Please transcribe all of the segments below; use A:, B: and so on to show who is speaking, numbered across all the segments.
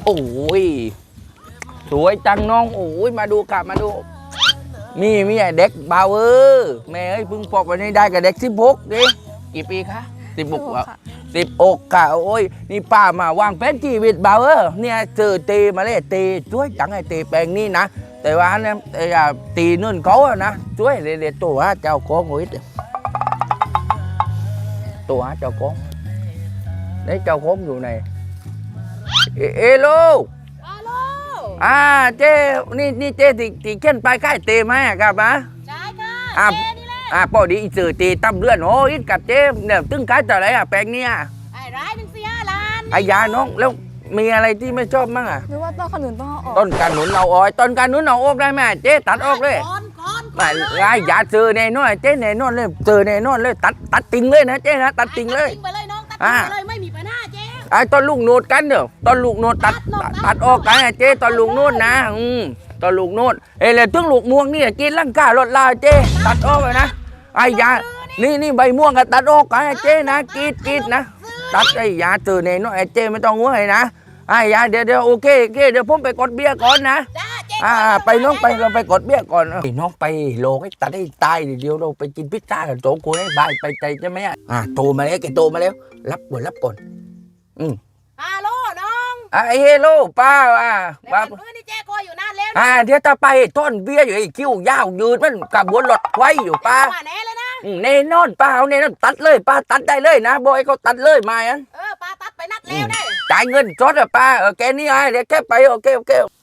A: โอ้ยสวยจังน้องโอ้ยมาดูกลับมาดูมีไอ้เด็กเบาแม่เอ้ยเพิ่งปอกไปนี่ได้กับเด็ก16ดิกี่ปีคะ16อ่ะ16ค่ะโอ้ยนี่ป้ามาวางแผนชีวิตเบาเนี่ยเจอตีมาเลยตีช่วยจังไอ้ตีแปลงนี่นะแต่ว่าเนี่ยตีนู่นเขาอะนะช่วยเดี๋ยวตัวเจ้าของหัวตัวเจ้าของđấyเจ้าของอยู่ไหนเอโลเจ้นี่เจ้ที่เข็นไปใกล้เตไหมครับนะ
B: ใช่ค่ะเจ้นี่แหละ
A: พอดีสื่อตีตั้มเลื่อนโอ้ยกับเจ้เนี่ยตึ้งขายแต่อะไรแปลงเนี่ย
B: ไอ้ร้ายนึง4 ล้าน
A: ไอ้ยาน้องแล้วมีอะไรที่ไม่ชอบมั้ง
C: หรือว่าต้นขนุนต้องเอาออก
A: ต้นขนุนเอาออกต้นขนุนเอาออกได้ไหมเจ๊ตัดออกเลยไม่ไอ้ยาซื้อแน่นอนเจ๊แน่นอนเลยซื้อแน่นอนเลยตัดติ่งเลยนะเจ๊นะตัดติ่งเลย
B: ตัดติ่งไปเลยน้องตัดติ่งไปเลยไม่มีปัญหาเจ๊
A: ไอ้ต้นลูกโนดกันเด้อต้นลูกโนดตัดออกกันเจ๊ต้นลูกโนดนะต้นลูกโนดเลยถึงลูกม่วงนี่กินร่างกายลดลาเจ๊ตัดออกเลยนะไอ้ยานี่ใบม่วงก็ตัดออกกันเจ๊นะกีดนะตัดไอ้ยาซื้อแน่นอนไอ้เจ๊ไม่ต้องห่วงเลยนะไอ้ยาเดี๋ยวโอเคเดี๋ยวผมไปกดเบี้ยก่อนนะไปน้องไปเราไปกดเบี้ยก่อนน้องไปโลให้ตัดให้ตายเดี๋ยวเราไปกินพิซซ่ากันโต๊ะกูให้บายไปใจใช่ไหมโตมาแล้วแกโตมาแล้วรับก่อน
B: ฮัลโหลน้อง
A: เฮลโลป้า
B: ป้านี่เจ๊คอยอยู่นานแล้ว
A: เดี๋ยวจะไปต้นเบี้ยอยู่ไอ้คิ้วยาวยืนมันกับบนรถไว้อยู่ป้า
B: แน่เลยนะ
A: แน่นอนป้าเอาแน่นอนตัดเลยป้าตัดได้เลยนะบอยเขาตัดเลยมาอัน
B: ป้าตัดไปนัดแล้วได้
A: จ่ายเงินจดอะป้าแกนี่เดี๋ยวแกไปโอเค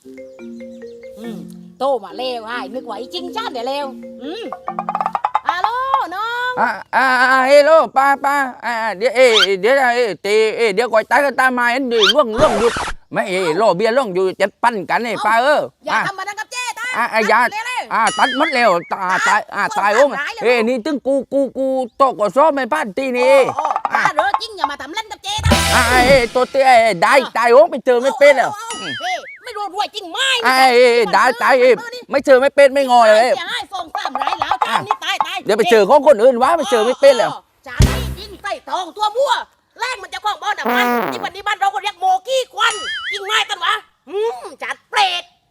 B: โตมาเร็วนึกว่าจริงจ้าเดี๋ยวเร็วฮัลโหลน้อง
A: เฮลโลป้าเดี๋ยวเดี๋ยวก่อนตายกันตามมาอันดีล่วงอยู่ไม่โลเบียล่วงอยู่จะปั้นกันนี่ป้า
B: อย่าทำมาดังกับเจ๊ตา
A: อย่าตัดมัดเร็วตายโอ้ยนี่ตึงกูโตกซ้อมไม่พลาดทีนี่
B: ป้าเรอจริงอย่ามาทำเล่นกับเจ๊ตา
A: ตัวเตี้ยได้ตายโอ้ไปเจอไม่เป็นแล้ว
B: ไม่รู้รวยจริงไหม
A: ได้ตายไม่เจอไม่เป็นไม่งอเลย
B: อย่าให้ส่งตามไรแล้วจานนี่ตาย
A: เดี๋ยวไปเจอของคนอื่นวะไปเจอไม่เป็นแล้ว
B: จานนี่ยิงใส่ทองตัวมั่วแรงมันจะคล้องบอลมันที่วันนี้บ้านเราก็เรียกโมกี้ควันยิงง่ายกันวะจัดเปรต